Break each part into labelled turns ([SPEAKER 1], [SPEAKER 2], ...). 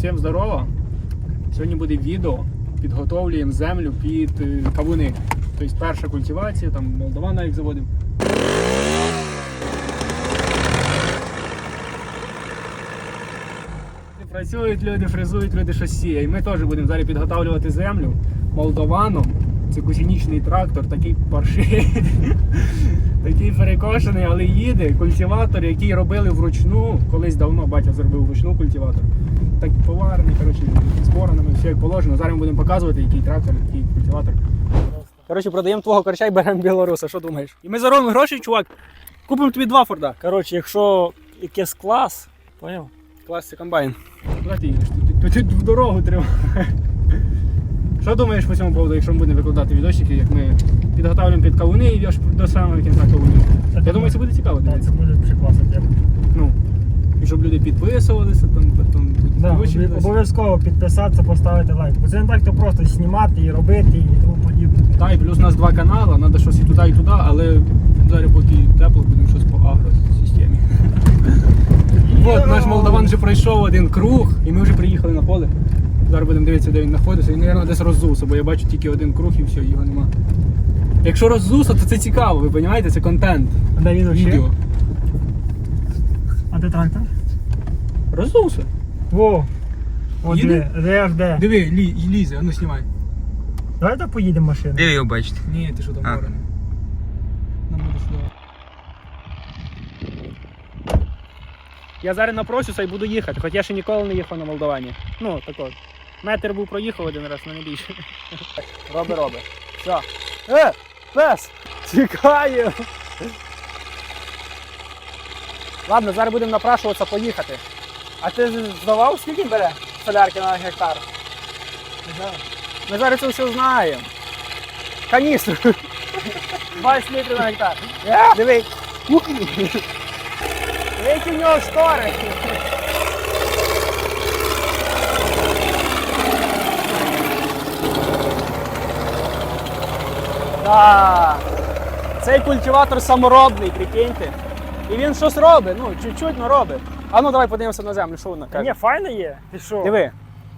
[SPEAKER 1] Всім здорово! Сьогодні буде відео, підготовлюємо землю під кавуни. Тобто перша культивація, там Молдова навіть заводимо. Працюють люди, фрезують люди, щось сіє. І ми теж будемо зараз підготовлювати землю молдованом. Це кусінічний трактор, такий паршивий, такий перекошений, але їде. Культиватор, який робили вручну, колись давно батя зробив вручну культиватор. Так поварений, коротше, з боронами, все як положено. Зараз ми будемо показувати, який трактор, який культиватор. Коротше, продаємо твого корча і беремо білоруса, що думаєш? І ми заробимо гроші, чувак, купимо тобі 2 Форда. Коротше, якщо якийсь клас, поняв? Клас це комбайн. Куди ти їдеш? Тут в дорогу треба. Що думаєш по цьому поводу, якщо ми будемо викладати відосики, як ми підготовлюємо під кавуни і аж до самого кінця кавунів? Я думаю, це буде цікаво.
[SPEAKER 2] Так, це буде дуже класна тема.
[SPEAKER 1] Ну, і щоб люди підписувалися, там потім
[SPEAKER 2] обов'язково підписатися, поставити лайк. Бо це не так, то просто знімати і робити і тому подібне.
[SPEAKER 1] Так, і плюс у нас 2 канали, треба щось і туди, але зараз поки тепло, будемо щось по агросистемі. От, наш молдаван вже пройшов один круг, і ми вже приїхали на поле. Зараз будемо дивитися, де він знаходиться. Він, мабуть, десь роззувся, бо я бачу тільки один круг і все, його нема. Якщо роззувся, то це цікаво, ви розумієте? Це контент.
[SPEAKER 2] А де він
[SPEAKER 1] Відео.
[SPEAKER 2] ще? А де трактор?
[SPEAKER 1] Роззувся.
[SPEAKER 2] Во! От
[SPEAKER 1] Їде?
[SPEAKER 2] де.
[SPEAKER 1] Диви, лізе, а ну знімай.
[SPEAKER 2] Давай так поїдемо машиною.
[SPEAKER 3] Де ви його бачите?
[SPEAKER 1] Ні, ти що там ворони. Нам буде сюди. Я зараз напросюся і буду їхати, хоч я ще ніколи не їхав на Молдовані. Ну, так от. Метр був проїхав один раз, але не більше. Роби. Все. Пес! Тікає! Ладно, зараз будемо напрашуватися поїхати. А ти здавав, скільки бере солярки на гектар? Ми зараз це все знаємо. Каністру. 20 літрів на гектар. Диви. Які в нього штори. Так. Цей культиватор саморобний, прикиньте. І він щось робить, ну, чуть-чуть, але робить. А ну давай подивимося на землю, що вона каже.
[SPEAKER 2] Ні, файно є. Ти що?
[SPEAKER 1] Диви.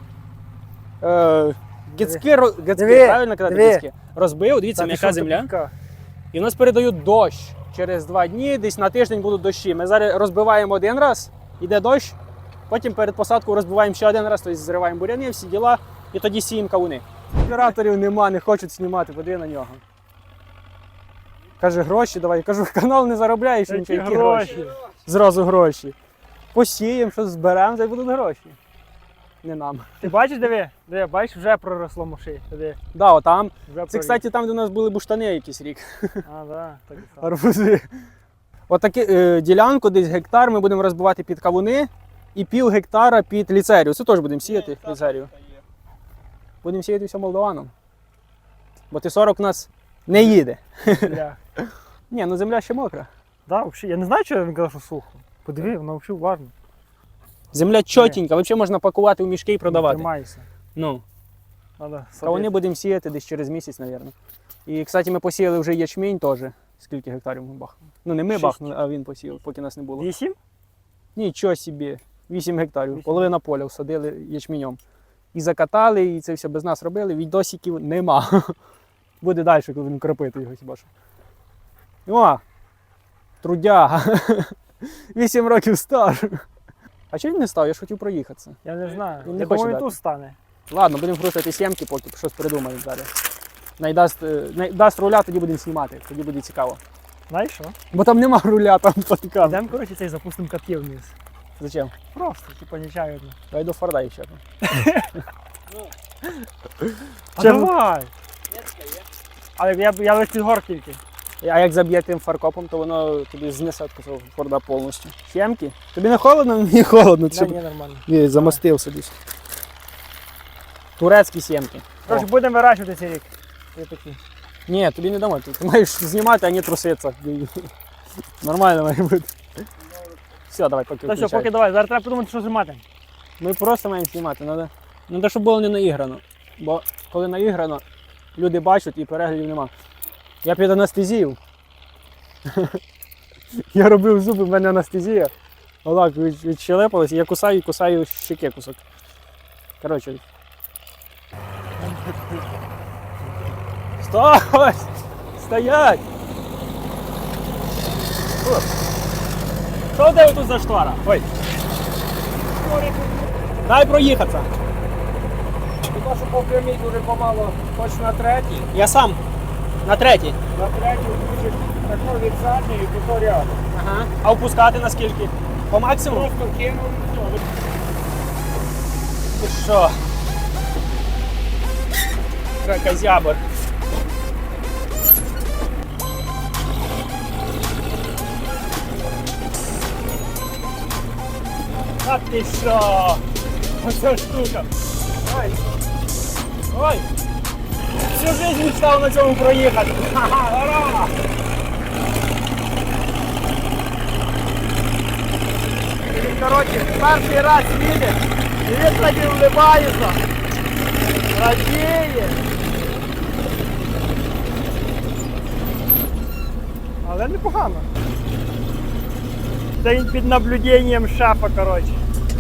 [SPEAKER 1] Гицьки, правильно казати, гицьки? Розбив, дивіться, м'яка земля. І в нас передають дощ. Через 2 дні, десь на тиждень будуть дощі. Ми зараз розбиваємо один раз, йде дощ, потім перед посадкою розбиваємо ще один раз, тобто зриваємо буряни, всі діла, і тоді сіємо кавуни. Операторів нема, не хочуть знімати, подиви на нього. Каже, гроші давай. Кажу, канал не заробляєш, нічого, які гроші. Зразу гроші. Посіємо, щось зберемо, та й будуть гроші. Не нам.
[SPEAKER 2] Ти бачиш, диви? Бачиш, вже проросло моші.
[SPEAKER 1] Да, отам.
[SPEAKER 2] Вже
[SPEAKER 1] Це, кстати, там, де у нас були буштани якийсь рік.
[SPEAKER 2] А, да, так і само.
[SPEAKER 1] Арбузи. Отаку ділянку, десь гектар, ми будемо розбивати під кавуни і пів гектара під ліцерію. Це теж будемо сіяти ліцерію. Будемо сіяти все молдованом. Бо Т-40 у нас не їде. Ні, ну земля ще мокра.
[SPEAKER 2] Да, взагалі. Я не знаю, чого він казав, що сухо. Подиви, воно взагалі уважно.
[SPEAKER 1] Земля чотенька, взагалі можна пакувати в мішки і продавати.
[SPEAKER 2] Тримайся.
[SPEAKER 1] Ну.
[SPEAKER 2] Надо
[SPEAKER 1] Кавуни будемо сіяти десь через місяць, мабуть. І, кстати, ми посіяли вже ячмінь теж. Скільки гектарів ми бахнули? Ну не ми
[SPEAKER 2] 6.
[SPEAKER 1] бахнули, а він посіяв, поки нас не було.
[SPEAKER 2] 8?
[SPEAKER 1] Нічого собі. 8 гектарів.
[SPEAKER 2] 8.
[SPEAKER 1] Половина поля всадили ячменем. І закатали, і це все без нас робили. Відосиків нема. Буде далі, коли будемо кропити його хіба що. О! Трудяга. 8 років стаж. А чого він не став? Я ж хотів проїхатися.
[SPEAKER 2] Я не знаю.
[SPEAKER 1] Він не
[SPEAKER 2] Я
[SPEAKER 1] хоче
[SPEAKER 2] думаю, він
[SPEAKER 1] дати.
[SPEAKER 2] тут стане.
[SPEAKER 1] Ладно, будемо крутити сімки, поки щось придумаємо зараз. Дасть руля, тоді будемо знімати, тоді буде цікаво.
[SPEAKER 2] Знаєш що?
[SPEAKER 1] Бо там нема руля, там подкам.
[SPEAKER 2] Йдемо, коротше, цей запустимо катки вниз.
[SPEAKER 1] Зачем?
[SPEAKER 2] Просто, типа, нечаянно.
[SPEAKER 1] Я йду в Форда ще.
[SPEAKER 2] А
[SPEAKER 1] Чим?
[SPEAKER 2] давай! Але я лише під гор тільки.
[SPEAKER 1] А як заб'є тим фаркопом, то воно тобі знесе цього Форда повністю. Сімки? Тобі не холодно? Мені холодно.
[SPEAKER 2] Да, ні, нормально.
[SPEAKER 1] Ні, замостив собі. Турецькі сімки.
[SPEAKER 2] Коротше, будемо вирощувати цей рік. Ось такі.
[SPEAKER 1] Ні, тобі не дамо. Ти маєш знімати, а не труситися. Нормально має бути. Все, давай, поки
[SPEAKER 2] Та все, поки давай. Зараз треба подумати, що знімати.
[SPEAKER 1] Ми просто маємо знімати. Треба, щоб було не наіграно. Бо коли наіграно, люди бачать і переглядів нема. Я під анестезію. Я робив зуби, в мене анестезія. Отак відщелепалось, я кусаю і кусаю щеки кусок. Коротше. Стой! Стоять! О. Що в тебе тут за штора? Ой. Дай проїхатися. Хіба що по прямій дуже помало, хоч на третій. Я сам. На третій.
[SPEAKER 2] На третю включиш таку від задньої, і то рядом.
[SPEAKER 1] Ага. А опускати наскільки? По максимуму?
[SPEAKER 2] Просто кинув і все.
[SPEAKER 1] Ти що? Кракозябр. А ти що? Оця штука. Ой. Ой. Всю жизнь мечтав на цьому проїхати. Ха-ха, ура! Він, коротше, перший раз їде, і він тоді вливається. Радіє.
[SPEAKER 2] Але непогано. Це він під наблюденням шефа, коротше.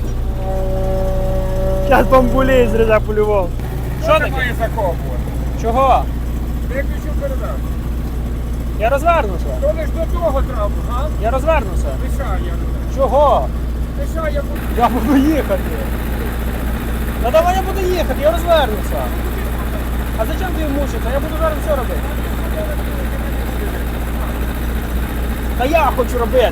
[SPEAKER 2] Зараз бамбулей зрізав по-любому.
[SPEAKER 1] Що таке?
[SPEAKER 2] закопувати?
[SPEAKER 1] Чого?
[SPEAKER 2] Виключив передачу.
[SPEAKER 1] Я розвернуся.
[SPEAKER 2] То лиш до того треба, а?
[SPEAKER 1] Я розвернуся.
[SPEAKER 2] Лишай я.
[SPEAKER 1] Чого?
[SPEAKER 2] Лишай я буду.
[SPEAKER 1] Я буду їхати. Та давай я буду їхати, я розвернуся. А зачем ти мучитися? Я буду зараз все робити. Та я хочу робити.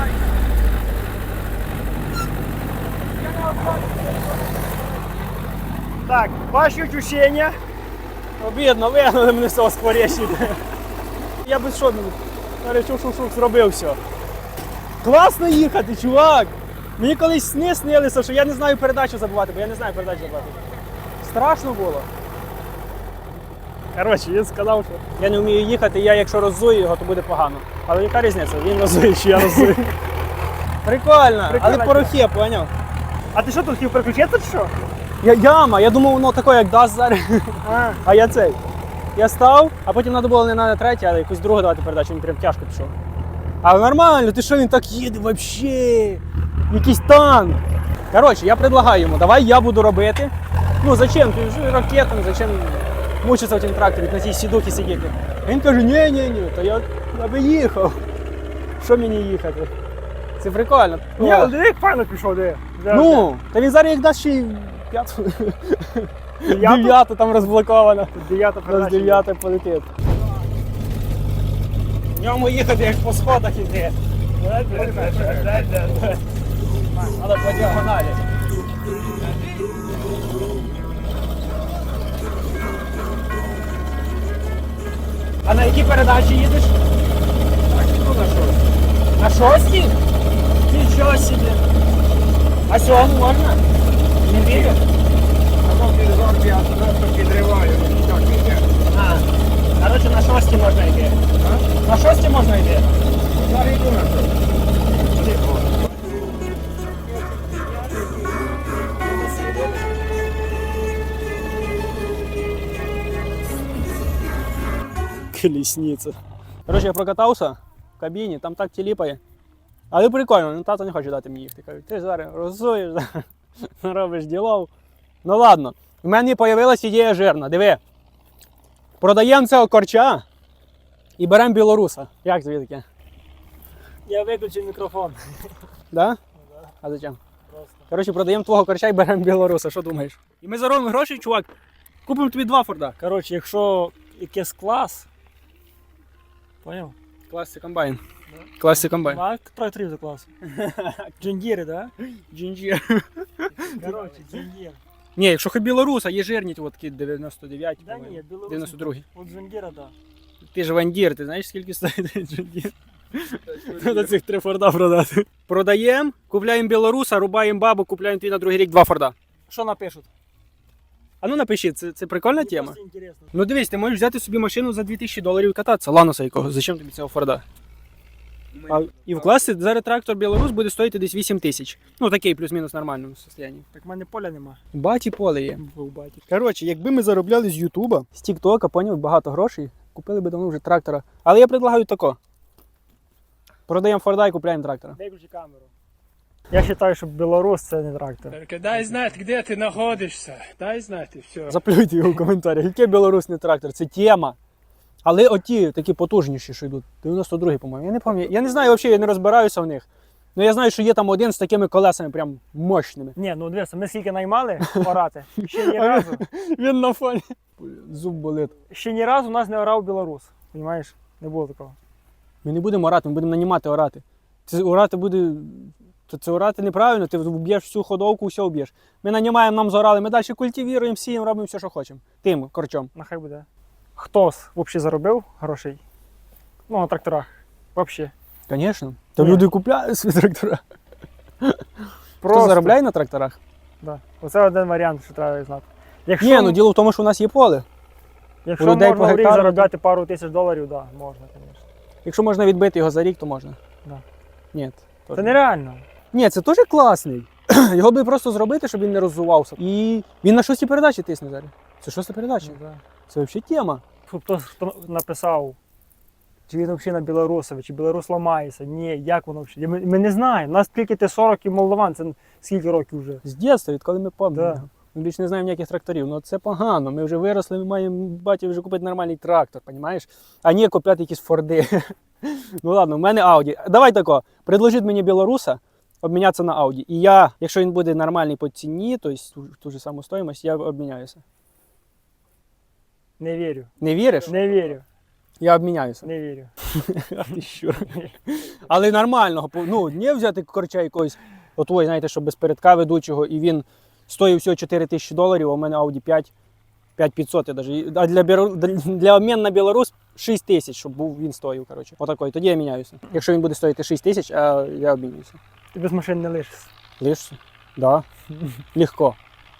[SPEAKER 2] Так, ваші відчуття.
[SPEAKER 1] Обідно, вигнали мене з цього скворечника. Я без що, шук-шук-шук зробив все. Класно їхати, чувак! Мені колись сни снилися, що я не знаю передачу забувати, бо я не знаю передачу забувати. Страшно було. Коротше, він сказав, що я не вмію їхати, я якщо роззую його, то буде погано. Але яка різниця? Він роззує, чи я роззую. Прикольно, але порохи, поняв?
[SPEAKER 2] А ти що тут хотів переключитися чи що?
[SPEAKER 1] Яма, я думав, воно таке, як дасть зараз. А я цей. Я став, а потім треба було не на третій, а якусь другу давати передачу, він прям тяжко пішов. Але нормально, ти що, він так їде взагалі? Якийсь танк. Коротше, я предлагаю йому, давай я буду робити. Ну зачем? Ти вже ракетом, зачем мучитися в цьому тракторі, на цій сідухі сидіти. А він каже, ні, то я би їхав. Що мені їхати? Це прикольно.
[SPEAKER 2] Ні, але диви, як файно пішов, диви.
[SPEAKER 1] Ну, та він зараз як дасть ще й п'яту. Дев'ята там розблокована.
[SPEAKER 2] Дев'ята
[SPEAKER 1] З
[SPEAKER 2] передача.
[SPEAKER 1] 9 полетить. В ньому їхати як по сходах іти. Треба по діагоналі. А на якій передачі їдеш? На шостій? Нічого собі. А сьому можна? Не вірю?
[SPEAKER 2] Я просто підриваю, так йде.
[SPEAKER 1] А, коротше, на шостій можна йти. На шостій можна йти.
[SPEAKER 2] Зараз йду на що.
[SPEAKER 1] Колесниця. Коротше, я прокатався в кабіні, там так тіліпає. Але прикольно, ну тато не хоче дати мені їхати. Кажуть, ти ж зараз розсуєш, робиш ділов. Ну ладно, в мене з'явилась ідея жирна. Диви, продаємо цього корча і беремо білоруса. Як тобі таке?
[SPEAKER 2] Я виключив мікрофон.
[SPEAKER 1] Да? А зачем? Коротше, продаємо твого корча і беремо білоруса, що думаєш? І ми заробимо гроші, чувак, купимо тобі 2 Форда.
[SPEAKER 2] Коротше, якщо якийсь клас, поняв?
[SPEAKER 1] Клас це комбайн. Клас це комбайн.
[SPEAKER 2] А тракторів за клас. Джундіри, да?
[SPEAKER 1] Джинджір.
[SPEAKER 2] Коротше, джундір.
[SPEAKER 1] Ні, якщо хоч білоруса, є жирні, от такі 99,
[SPEAKER 2] Да ні, білорус.
[SPEAKER 1] 92.
[SPEAKER 2] От джундіра, да.
[SPEAKER 1] Ти ж вандір, ти знаєш, скільки стоїть джундір? Треба цих 3 Форда продати. Продаємо, купляємо білоруса, рубаємо бабу, купляємо тобі на другий рік 2 Форда.
[SPEAKER 2] Що напишуть?
[SPEAKER 1] А ну напиши, це прикольна тема?
[SPEAKER 2] Просто інтересно.
[SPEAKER 1] Ну дивись, ти можеш взяти собі машину за $2000 і кататися, Ланоса якого, зачем тобі цього Форда? І вкласти зараз трактор Білорус буде стоїти десь 8 тисяч. Ну такий плюс-мінус нормальному стані.
[SPEAKER 2] Так в мене поля нема.
[SPEAKER 1] Баті поле є. Коротше, якби ми заробляли з Ютуба, з Тіктока, поняв, багато грошей, купили б давно вже трактора. Але я предлагаю тако. Продаємо Форда і купляємо трактора.
[SPEAKER 2] Виключи камеру. Я вважаю, що білорус це не трактор.
[SPEAKER 1] Дай знати, де ти знаходишся. Дай знати, все.
[SPEAKER 3] Заплюйте його в коментарях. Який білорусний трактор? Це тема. Але оті такі потужніші, що йдуть. 92-й, по-моєму. Я не пам'ятаю. Я не знаю взагалі, я не розбираюся в них. Ну я знаю, що є там один з такими колесами прям мощними.
[SPEAKER 2] Ні, ну дивися, ми скільки наймали орати, ще ні разу.
[SPEAKER 3] Він на фоні. Зуб болить.
[SPEAKER 2] Ще ні разу у нас не орав білорус. Понімаєш? Не було такого.
[SPEAKER 3] Ми не будемо орати, ми будемо нанімати орати. Це орати буде. Це орати неправильно, ти вб'єш всю ходовку, все вб'єш. Ми нанімаємо, нам зорали, ми далі культивіруємо, сіємо, робимо все, що хочемо. Тим корчом.
[SPEAKER 2] Нехай буде. Хтось взагалі заробив грошей? Ну, на тракторах. Взагалі.
[SPEAKER 3] Звісно. Та
[SPEAKER 2] Ні.
[SPEAKER 3] люди купляють свої трактора. Хто
[SPEAKER 2] Просто.
[SPEAKER 3] заробляє на тракторах?
[SPEAKER 2] Да. Оце один варіант, що треба знати. Якщо,
[SPEAKER 3] Ні, ну діло в тому, що у нас є поле.
[SPEAKER 2] якщо
[SPEAKER 3] у людей
[SPEAKER 2] можна
[SPEAKER 3] по
[SPEAKER 2] в рік
[SPEAKER 3] гектару,
[SPEAKER 2] заробляти пару тисяч доларів, да, можна, звісно.
[SPEAKER 3] Якщо можна відбити його за рік, то можна.
[SPEAKER 2] Да.
[SPEAKER 3] Ні.
[SPEAKER 2] Це нереально.
[SPEAKER 3] Ні, це теж класний. Його би просто зробити, щоб він не розвивався. І він на шостій передачі тисне зараз. Це шоста передача.
[SPEAKER 2] Ну, да.
[SPEAKER 3] Це взагалі тема.
[SPEAKER 2] Хто написав, чи він взагалі на білорусові, чи білорус ламається. Ні, як воно взагалі. Ми не знаємо. У нас тільки Т-40 і Молдаван, це скільки років вже.
[SPEAKER 3] З дитинства, відколи ми пам'ятаємо.
[SPEAKER 2] Да.
[SPEAKER 3] Ми більше не знаємо ніяких тракторів. Ну це погано. Ми вже виросли, ми маємо баті вже купити нормальний трактор, розумієш? А не купляти якісь форди. Ну ладно, в мене Ауді. Давай тако, предложіть мені білоруса, обмінятися на Ауді. І я, якщо він буде нормальний по ціні, тобто ту ж саму стоїмость, я обміняюся.
[SPEAKER 2] Не вірю.
[SPEAKER 3] Не віриш?
[SPEAKER 2] Не вірю.
[SPEAKER 3] Я обміняюся.
[SPEAKER 2] Не вірю.
[SPEAKER 3] А ти що? Але нормального, ну, не взяти корча якогось, отвой, знаєте, що без передка ведучого, і він стоїть всього $4000, а у мене Audi 5, 5500 навіть. А для обміну на Білорус 6000, щоб був він стоїв, коротше. Отакой, тоді я міняюся. Якщо він буде стоїти 6000, а я обмінююся.
[SPEAKER 2] Ти без машин не лишишся.
[SPEAKER 3] Лишся? Да. Легко.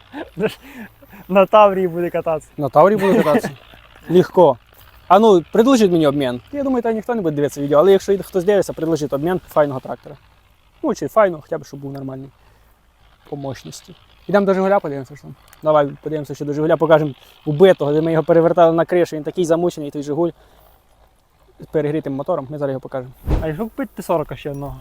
[SPEAKER 2] На Таврії буде кататися.
[SPEAKER 3] На Таврі буду кататися. Легко. А ну, предложіть мені обмін. Я думаю, там ніхто не буде дивитися відео, але якщо хтось дивиться, предложіть обмін файного трактора. Ну, чи файного, хоча б, щоб був нормальний по мощності. Ідемо до Жигуля, подивимося, що там. Давай подивимося, що до Жигуля покажемо убитого, де ми його перевертали на кришу, він такий замучений, той Жигуль з перегрітим мотором, ми зараз його покажемо.
[SPEAKER 2] А якщо купити Т-40 ще одного?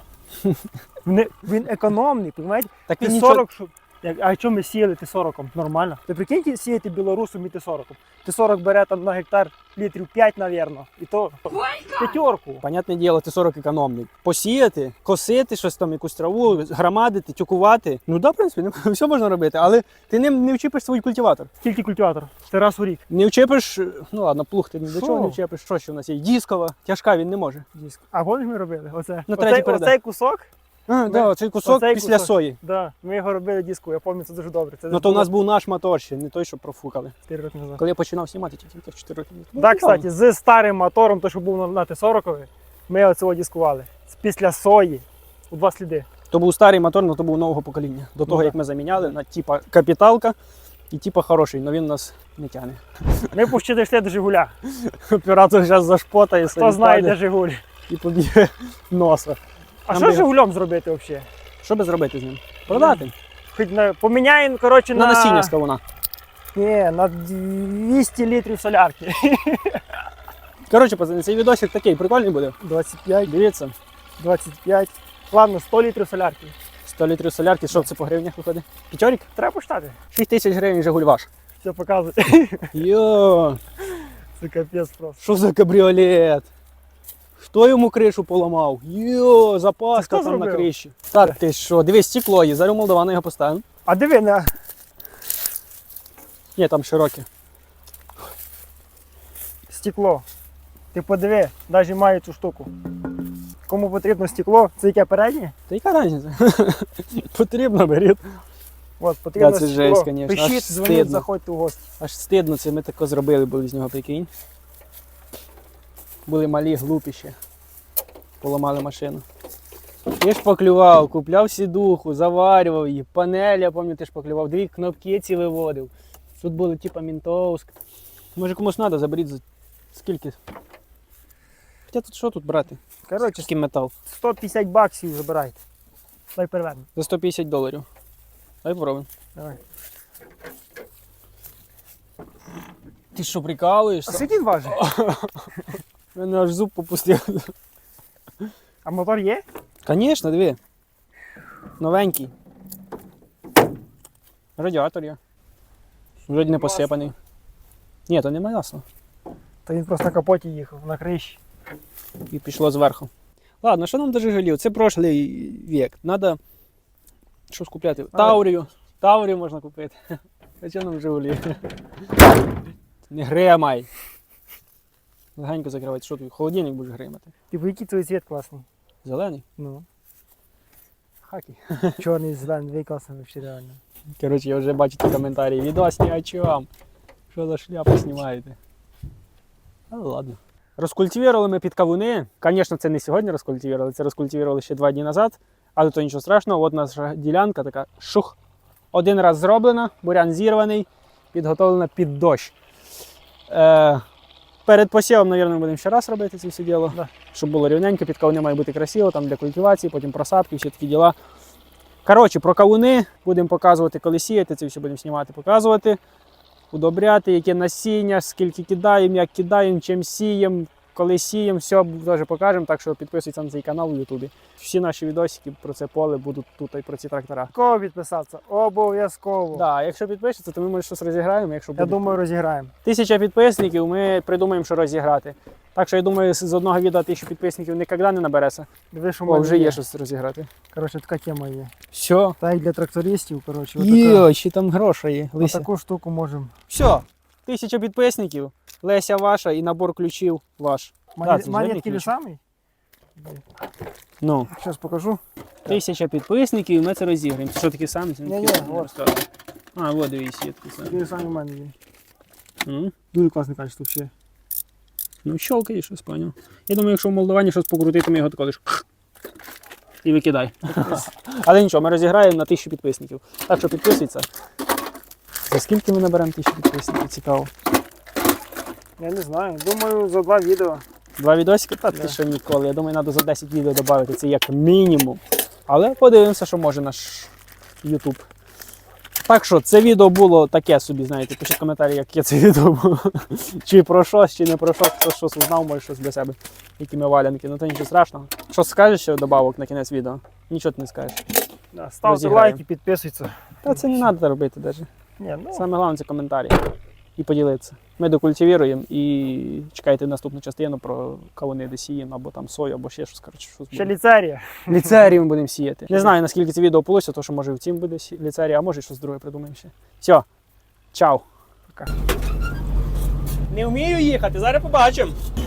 [SPEAKER 2] Він економний, розумієте?
[SPEAKER 3] Так він нічого...
[SPEAKER 2] Т-40, а що ми сіяли Т-40? Нормально. Ти прикиньте сіяти білорусом і Т-40. Т-40 бере там на гектар літрів 5, мабуть, і то п'ятерку.
[SPEAKER 3] Понятне діло, Т-40 економний. Посіяти, косити щось там, якусь траву, громадити, тюкувати. Ну да, в принципі, все можна робити, але ти ним не вчепиш свій культиватор.
[SPEAKER 2] Скільки культиватор? Ти раз у рік.
[SPEAKER 3] Не вчепиш, ну ладно, плуг ти ні до
[SPEAKER 2] Що?
[SPEAKER 3] чого не вчепиш, що ще в нас є? Дискова, тяжка він не може.
[SPEAKER 2] Диск. А помніш ми робили? Оце.
[SPEAKER 3] На третій передачі.
[SPEAKER 2] Оцей кусок,
[SPEAKER 3] А, да, цей кусок
[SPEAKER 2] Оцей
[SPEAKER 3] після
[SPEAKER 2] кусок.
[SPEAKER 3] сої.
[SPEAKER 2] да, ми його робили диску, я пам'ятаю, це дуже добре. Це
[SPEAKER 3] Ну то у нас був наш мотор ще, не той, що профукали.
[SPEAKER 2] 4 роки назад.
[SPEAKER 3] Коли я починав знімати, тільки 4 роки. Ну,
[SPEAKER 2] Так, кстати, з старим мотором, той, що був на Т-40, ми оцього дискували. Після сої у 2 сліди.
[SPEAKER 3] То був старий мотор, але то був нового покоління. До того,
[SPEAKER 2] да.
[SPEAKER 3] як ми заміняли на типа капіталка і типа хороший, але він нас не тягне.
[SPEAKER 2] Ми почти дійшли до Жигуля.
[SPEAKER 3] Оператор зараз зашпотає,
[SPEAKER 2] Хто знає, де Жигуль.
[SPEAKER 3] і поб'є носа.
[SPEAKER 2] А
[SPEAKER 3] Нам
[SPEAKER 2] що
[SPEAKER 3] би-
[SPEAKER 2] з Жигулем зробити взагалі?
[SPEAKER 3] Що би зробити з ним? Продати.
[SPEAKER 2] Хоч поміняємо, коротше,
[SPEAKER 3] На насіння з кавуна.
[SPEAKER 2] Ні, на 200 літрів солярки.
[SPEAKER 3] Коротше, пацани, цей відосик такий прикольний буде.
[SPEAKER 2] 25,
[SPEAKER 3] Дивіться,
[SPEAKER 2] 25. Ладно, 100 літрів солярки.
[SPEAKER 3] 100 літрів солярки, що це по гривнях виходить? П'ятьорік?
[SPEAKER 2] Треба почитати.
[SPEAKER 3] 6000 гривень Жигуль ваш.
[SPEAKER 2] Все показує.
[SPEAKER 3] Йо,
[SPEAKER 2] Це капець просто.
[SPEAKER 3] що за кабріолет? Хто йому кришу поламав? Йо, запаска
[SPEAKER 2] Це хто
[SPEAKER 3] там на
[SPEAKER 2] зробив?
[SPEAKER 3] криші. Та ти що, дивись, стекло є, зараз у Молдавана його поставимо.
[SPEAKER 2] А диви на.
[SPEAKER 3] Ні, там широке.
[SPEAKER 2] Стекло. Ти подиви, навіть маю цю штуку. Кому потрібно стекло, це яке переднє?
[SPEAKER 3] Та яка різниця? Потрібно, беріть.
[SPEAKER 2] От, потрібно
[SPEAKER 3] Да, це
[SPEAKER 2] стекло.
[SPEAKER 3] жесть, конечно, аж
[SPEAKER 2] Пишіть, дзвоніть,
[SPEAKER 3] стидно.
[SPEAKER 2] заходьте в гості.
[SPEAKER 3] Аж стидно, це ми тако зробили, були з нього, прикинь. Були малі, глупі ще. Поламали машину. Ти ж поклював, купляв сідуху, заварював її, панель, я пам'ятаю, ти ж поклював, 2 кнопки ці виводив. Тут були типа Мінтовськ. Може комусь треба, заберіть за скільки? Хоча тут що тут брати?
[SPEAKER 2] Коротше,
[SPEAKER 3] Скільки метал?
[SPEAKER 2] 150 баксів забирайте. Дай переверну.
[SPEAKER 3] За $150. Давай попробуємо.
[SPEAKER 2] Давай.
[SPEAKER 3] Ти що,
[SPEAKER 2] А
[SPEAKER 3] прикалуєшся?
[SPEAKER 2] скільки він важить?
[SPEAKER 3] У мене аж зуб попустив.
[SPEAKER 2] А мотор є?
[SPEAKER 3] Звісно, диви. Новенький. Радіатор є. Вроді не посипаний. Ні, то немає масла.
[SPEAKER 2] Та він просто на капоті їхав, на криші.
[SPEAKER 3] І пішло зверху. Ладно, що нам до Жигулів? Це прошлий вік. Надо щось купляти. Таурію. Таурію можна купити. А чого нам Жигулі? Не гримай. Легенько закривати. Що ти? Холодильник будеш гримати.
[SPEAKER 2] Типу, який твій цвіт класний?
[SPEAKER 3] Зелений?
[SPEAKER 2] Ну.
[SPEAKER 3] Хакі.
[SPEAKER 2] Чорний, зелений, дві класний вообще реально.
[SPEAKER 3] Коротше, я вже бачу ті коментарі. Відос ні о чому. Що за шляпу знімаєте? Але ладно. Розкультивували ми під кавуни. Звісно, це не сьогодні розкультивували, це розкультивували ще 2 дні назад. Але то нічого страшного, от наша ділянка така шух. Один раз зроблена, бурян зірваний, підготовлена під дощ. Перед посівом, мабуть, будемо ще раз робити це все діло,
[SPEAKER 2] Да.
[SPEAKER 3] щоб було рівненько, під кавуни має бути красиво, там для культивації, потім просадки, всі такі діла. Коротше, про кавуни будемо показувати, коли сіяти, це все будемо знімати, показувати, удобряти, яке насіння, скільки кидаємо, як кидаємо, чим сіємо, коли сіємо, все теж покажемо, так що підписуйтесь на цей канал в Ютубі. Всі наші відосики про це поле будуть тут і про ці трактора.
[SPEAKER 2] Кого підписатися? Обов'язково.
[SPEAKER 3] Да, якщо підпишеться, то ми може щось розіграємо. Якщо
[SPEAKER 2] Я
[SPEAKER 3] буде
[SPEAKER 2] думаю, розіграємо.
[SPEAKER 3] 1000 підписників, ми придумаємо, що розіграти. Так що я думаю, з одного відео 1000 підписників ніколи не набереться.
[SPEAKER 2] Диви, що в
[SPEAKER 3] О,
[SPEAKER 2] мене
[SPEAKER 3] вже є щось розіграти.
[SPEAKER 2] Коротше, така тема є.
[SPEAKER 3] Все.
[SPEAKER 2] Та й для трактористів, коротше.
[SPEAKER 3] Йо, ще там гроші є. Лися.
[SPEAKER 2] Таку штуку можемо.
[SPEAKER 3] Все. 1000 підписників, Леся ваша і набор ключів ваш. Да, це
[SPEAKER 2] Монетки
[SPEAKER 3] жирний
[SPEAKER 2] не самий?
[SPEAKER 3] Ну,
[SPEAKER 2] Зараз покажу.
[SPEAKER 3] 1000 підписників, ми це розіграємо. Це що такі самі?
[SPEAKER 2] Ні-ні, от.
[SPEAKER 3] А, от дивись, є такі самі.
[SPEAKER 2] Такі самі в мене є.
[SPEAKER 3] Ну,
[SPEAKER 2] Дуже класне качество взагалі.
[SPEAKER 3] ну щелкай, щось поняв. Я думаю, якщо в Молдовані щось покрутити, ми його тако лиш і викидай. Але нічого, ми розіграємо на 1000 підписників. Так що підписуйся. За скільки ми наберемо 1000 підписників? Цікаво.
[SPEAKER 2] Я не знаю. Думаю, за 2 відео.
[SPEAKER 3] 2 відосики? Та ти що ніколи. Я думаю, треба за 10 відео додати. Це як мінімум. Але подивимося, що може наш YouTube. Так що, це відео було таке собі, знаєте, пишіть коментарі, яке це відео було. Чи про щось, чи не про щось, хто щось узнав, може щось для себе. Які ми валянки, ну то нічого страшного. Що скажеш ще добавок на кінець відео? Нічого ти не скажеш.
[SPEAKER 2] Да, ставте
[SPEAKER 3] Розіграємо.
[SPEAKER 2] лайки, підписуйтесь.
[SPEAKER 3] Та це не треба робити навіть.
[SPEAKER 2] Ні, ну,
[SPEAKER 3] Саме головне це коментарі. І поділитися. Ми докультивіруємо і чекайте наступну частину про кавуни, де сіємо, або там сою, або ще щось. Коротше, щось
[SPEAKER 2] ще
[SPEAKER 3] буде.
[SPEAKER 2] ліцерія.
[SPEAKER 3] Ліцеріум будемо сіяти. Не знаю, наскільки це відео вийшло, тому що може в цім буде ліцерія, а може щось друге придумаємо ще. Все, чао.
[SPEAKER 2] Пока.
[SPEAKER 3] Не вмію їхати, зараз побачимо.